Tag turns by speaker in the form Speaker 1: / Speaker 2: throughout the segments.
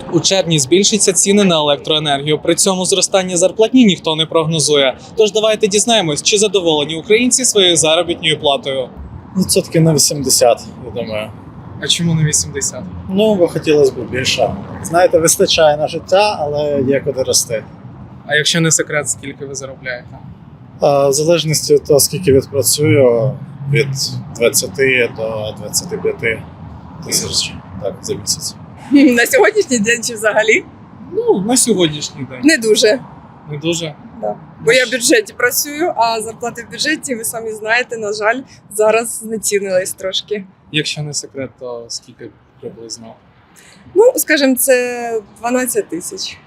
Speaker 1: У червні збільшаться ціни на електроенергію. При цьому зростання зарплатні ніхто не прогнозує. Тож давайте дізнаємось, чи задоволені українці своєю заробітною платою.
Speaker 2: Відсотків на 80, я думаю.
Speaker 1: А чому не 80?
Speaker 2: Ну, бо хотілося б більше. Знаєте, вистачає на життя, але є куди рости.
Speaker 1: А якщо не секрет, скільки ви заробляєте?
Speaker 2: В залежності від того, скільки відпрацюю, від 20 до 25 тисяч за місяць.
Speaker 3: На сьогоднішній день чи взагалі?
Speaker 1: Ну, на сьогоднішній день.
Speaker 3: Не дуже.
Speaker 1: Не дуже?
Speaker 3: Да. Бо я в бюджеті працюю, а зарплати в бюджеті, ви самі знаєте, на жаль, зараз знецінились трошки.
Speaker 1: Якщо не секрет, то скільки приблизно?
Speaker 3: Ну, скажімо, це 12 тисяч.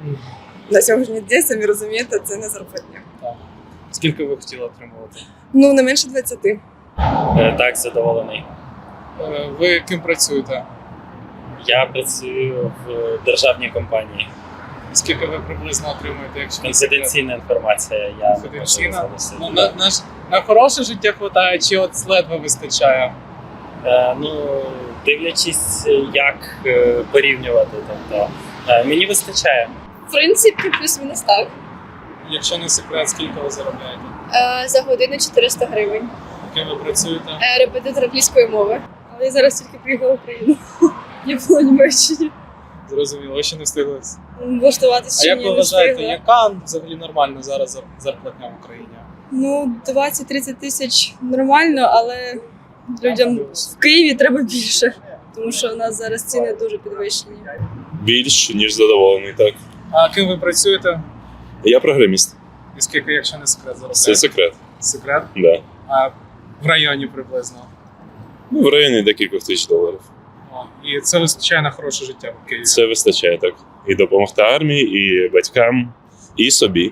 Speaker 3: На сьогоднішній день, самі розумієте, це не зарплатня.
Speaker 1: Так. Скільки ви хотіли отримувати?
Speaker 3: Ну, не менше 20.
Speaker 4: Так, задоволений.
Speaker 1: Ви ким працюєте?
Speaker 4: Я працюю в державній компанії.
Speaker 1: Скільки ви приблизно отримуєте, якщо не секрет?
Speaker 4: Конфіденційна інформація. Я
Speaker 1: Конфіденційна?
Speaker 4: не можу
Speaker 1: Ну,
Speaker 4: залишити.
Speaker 1: на хороше життя хватає, чи от ледве вистачає?
Speaker 4: Ну, дивлячись, як порівнювати. Тобто, мені вистачає.
Speaker 5: В принципі, плюс-мінус так.
Speaker 1: Якщо не секрет, скільки ви заробляєте?
Speaker 5: За годину 400 гривень.
Speaker 1: Ким ви працюєте?
Speaker 5: Репетитор англійської мови. Але я зараз тільки приїхала в Україну. Я була в Німеччині.
Speaker 1: Зрозуміло, ви ще не встигли.
Speaker 5: Влаштуватися
Speaker 1: А
Speaker 5: чи
Speaker 1: як
Speaker 5: ні,
Speaker 1: ви
Speaker 5: не
Speaker 1: вважаєте,
Speaker 5: встигла.
Speaker 1: яка взагалі нормальна зараз зарплатня в Україні?
Speaker 3: Ну, 20-30 тисяч нормально, але людям в Києві треба більше. Тому що у нас зараз ціни дуже підвищені.
Speaker 6: Більш ніж задоволений, так.
Speaker 1: А ким ви працюєте?
Speaker 6: Я програміст.
Speaker 1: І скільки, якщо не секрет, заробляєте?
Speaker 6: Це секрет.
Speaker 1: Секрет?
Speaker 6: Да.
Speaker 1: А в районі приблизно?
Speaker 6: Ну, в районі декількох тисяч доларів.
Speaker 1: О, і це вистачає на хороше життя в Києві?
Speaker 6: Це вистачає, так. І допомогти армії, і батькам, і собі.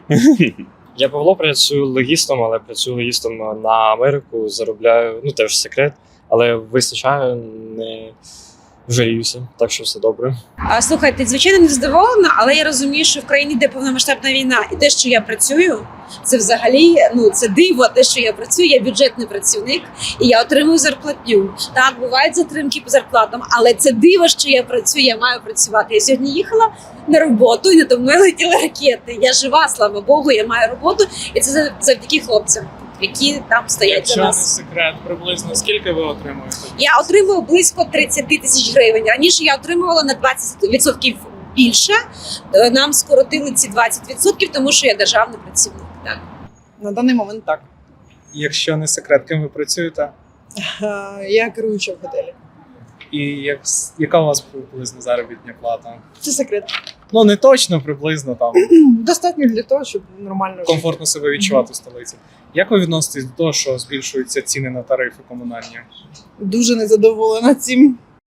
Speaker 7: Я Павло, працюю логістом, але працюю логістом на Америку, заробляю, ну теж секрет, але вистачає, не жаліюся, так що все добре.
Speaker 8: Слухайте, звичайно, не задоволена, але я розумію, що в країні йде повномасштабна війна, і те, що я працюю, це взагалі, це диво, те, що я працюю, я бюджетний працівник, і я отримую зарплатню. Так, бувають затримки по зарплатам, але це диво, що я працюю, я маю працювати. Я сьогодні їхала на роботу, і надо мною летіли ракети. Я жива, слава Богу, я маю роботу, і це завдяки хлопцям, які там стоять
Speaker 1: Якщо
Speaker 8: за
Speaker 1: не
Speaker 8: нас.
Speaker 1: секрет, приблизно скільки ви отримуєте?
Speaker 8: Я отримую близько 30 тисяч гривень. Раніше я отримувала на 20% більше. Нам скоротили ці 20%, тому що я державний працівник. Так.
Speaker 3: На даний момент так.
Speaker 1: Якщо не секрет, ким ви працюєте?
Speaker 3: Я керуюча в готелі.
Speaker 1: І яка у вас приблизно заробітна плата?
Speaker 3: Це секрет.
Speaker 1: Ну, не точно, приблизно там.
Speaker 3: Достатньо для того, щоб нормально жити.
Speaker 1: Комфортно себе відчувати в столиці. Як ви відноситесь до того, що збільшуються ціни на тарифи комунальні?
Speaker 3: Дуже незадоволена цим.